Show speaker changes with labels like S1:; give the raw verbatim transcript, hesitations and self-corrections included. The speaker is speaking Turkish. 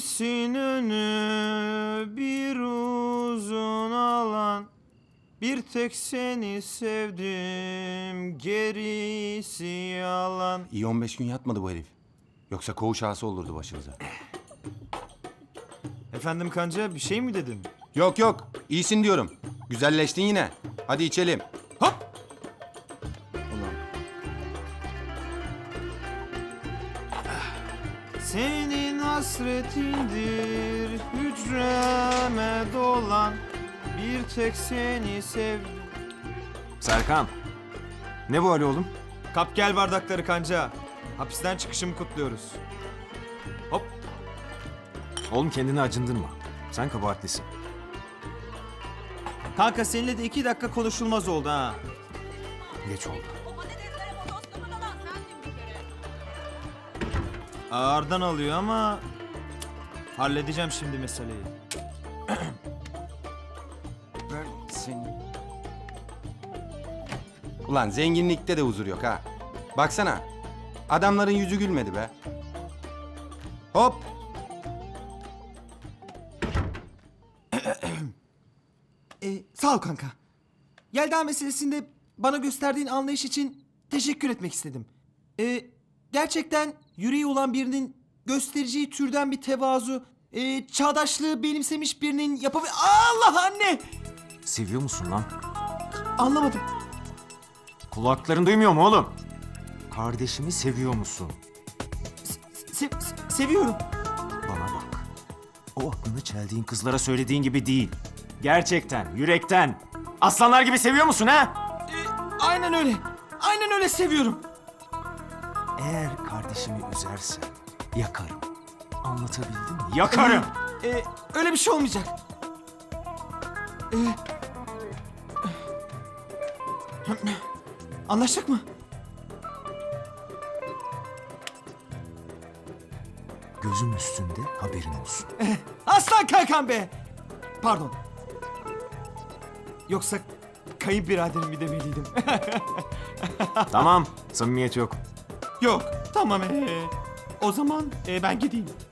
S1: Birisin önü bir uzun alan. Bir tek seni sevdim, gerisi yalan.
S2: İyi on beş gün yatmadı bu herif. Yoksa koğuş ağası olurdu başımıza.
S1: Efendim kanca bir şey mi dedin?
S2: Yok yok, iyisin diyorum. Güzelleştin yine. Hadi içelim.
S1: Hop! Ulan. Senin hasretindir hücreme dolan. Bir tek seni sevdim.
S3: Serkan. Ne bu hali oğlum?
S1: Kap gel bardakları kanca. Hapisten çıkışımı kutluyoruz. Hop.
S3: Oğlum kendini acındırma. Sen kabahatlisin.
S1: Kanka seninle de iki dakika konuşulmaz oldu ha.
S3: Geç oldu.
S1: Ağırdan alıyor ama halledeceğim şimdi meseleyi.
S2: Ben seni... Ulan zenginlikte de huzur yok ha. Baksana. Adamların yüzü gülmedi be. Hop.
S4: Ee, sağ ol kanka. Yelda meselesinde bana gösterdiğin anlayış için teşekkür etmek istedim. Ee, gerçekten yüreği olan birinin göstereceği türden bir tevazu, e, çağdaşlığı benimsemiş birinin yapabil... Allah anne!
S3: Seviyor musun lan?
S4: Anlamadım.
S3: Kulakların duymuyor mu oğlum? Kardeşimi seviyor musun?
S4: Se- se- seviyorum.
S3: Bana bak. O aklını çeldiğin kızlara söylediğin gibi değil. Gerçekten, yürekten. Aslanlar gibi seviyor musun ha?
S4: Ee, aynen öyle. Aynen öyle seviyorum.
S3: Eğer kardeşimi üzersen yakarım. Anlatabildim mi? Yakarım.
S4: Ee, öyle bir şey olmayacak. Ee, anlaştık mı?
S3: Gözüm üstünde haberin olsun.
S4: Aslan kankam be! Pardon. Yoksa kayınbiraderim mi demeliydim?
S3: Tamam, samimiyet yok.
S4: Yok, tamam. Ee, o zaman ee, ben gideyim.